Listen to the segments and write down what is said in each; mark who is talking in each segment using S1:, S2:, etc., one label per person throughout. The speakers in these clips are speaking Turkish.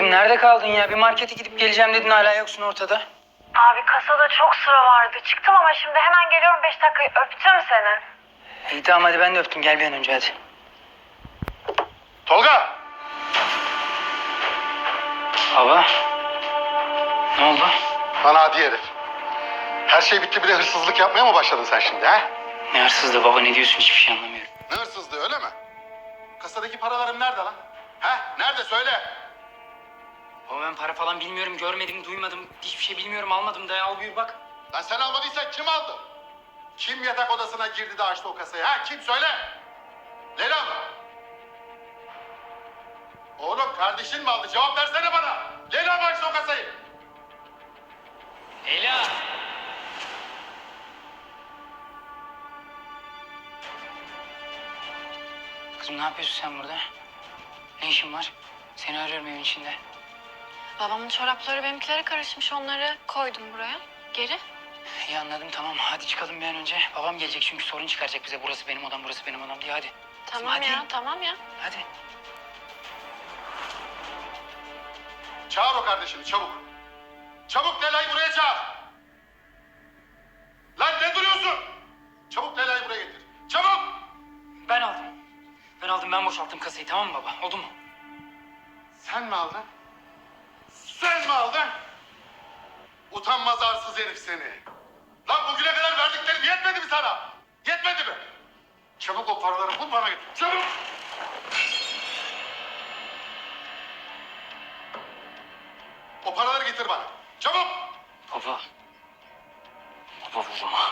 S1: Kızım nerede kaldın ya? Bir markete gidip geleceğim dedin, hala yoksun ortada.
S2: Abi kasada çok sıra vardı. Çıktım ama şimdi hemen geliyorum, 5 dakikayı öptüm seni.
S1: İyi tamam, hadi ben de öptüm. Gel bir an önce hadi.
S3: Tolga!
S1: Baba. Ne oldu?
S3: Lan hadi herif. Her şey bitti, bir de hırsızlık yapmaya mı başladın sen şimdi ha?
S1: Ne hırsızlığı baba, ne diyorsun, hiçbir şey anlamıyorum.
S3: Ne hırsızlığı, öyle mi? Kasadaki paralarım nerede lan? Ha? Nerede, söyle.
S1: Baba ben para falan bilmiyorum, görmedim, duymadım. Hiçbir şey bilmiyorum, almadım da, al buyur bak.
S3: Lan sen almadıysan kim aldı? Kim yatak odasına girdi de açtı o kasayı ha? Kim, söyle. Leyla mı? Oğlum kardeşin mi aldı? Cevap versene bana. Leyla mı açtı o kasayı?
S1: Leyla! Kızım ne yapıyorsun sen burada? Ne işin var? Seni arıyorum evin içinde.
S2: Babamın çorapları benimkilere karışmış, onları koydum buraya. Geri.
S1: İyi anladım, tamam. Hadi çıkalım bir an önce. Babam gelecek çünkü sorun çıkaracak bize. Burası benim odam, burası benim odam diye. Hadi. Kızım,
S2: Tamam
S1: hadi.
S2: ya, tamam ya.
S1: Hadi.
S3: Çağır o kardeşini çabuk. Çabuk Leyla'yı buraya çağır. Lan ne duruyorsun? Çabuk Leyla'yı buraya getir. Çabuk!
S1: Ben aldım. Ben aldım, ben boşalttım kasayı, tamam mı baba? Oldu mu?
S3: Sen mi aldın? Sen mi aldın? Utanmaz arsız herif seni. Lan bugüne kadar verdiklerim yetmedi mi sana? Yetmedi mi? Çabuk o paraları bul, bana getir. Çabuk! O paraları getir bana. Çabuk!
S1: Baba. Baba vurma.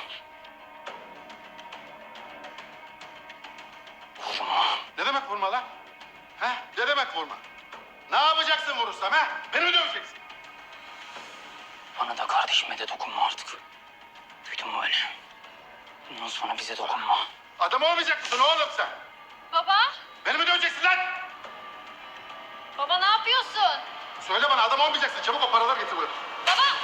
S1: Vurma.
S3: Ne demek vurma lan? He? Ne demek vurma? Ne yapacaksın vurursam he? Beni mi döveceksin?
S1: Bana da kardeşime de dokunma artık. Duydun mu beni? Bundan sonra bize dokunma.
S3: Adam olmayacak mısın oğlum sen?
S2: Baba,
S3: Beni mi döveceksin lan?
S2: baba ne yapıyorsun?
S3: Söyle bana, adam olmayacaksın. Çabuk o paraları getir buraya.
S2: Baba!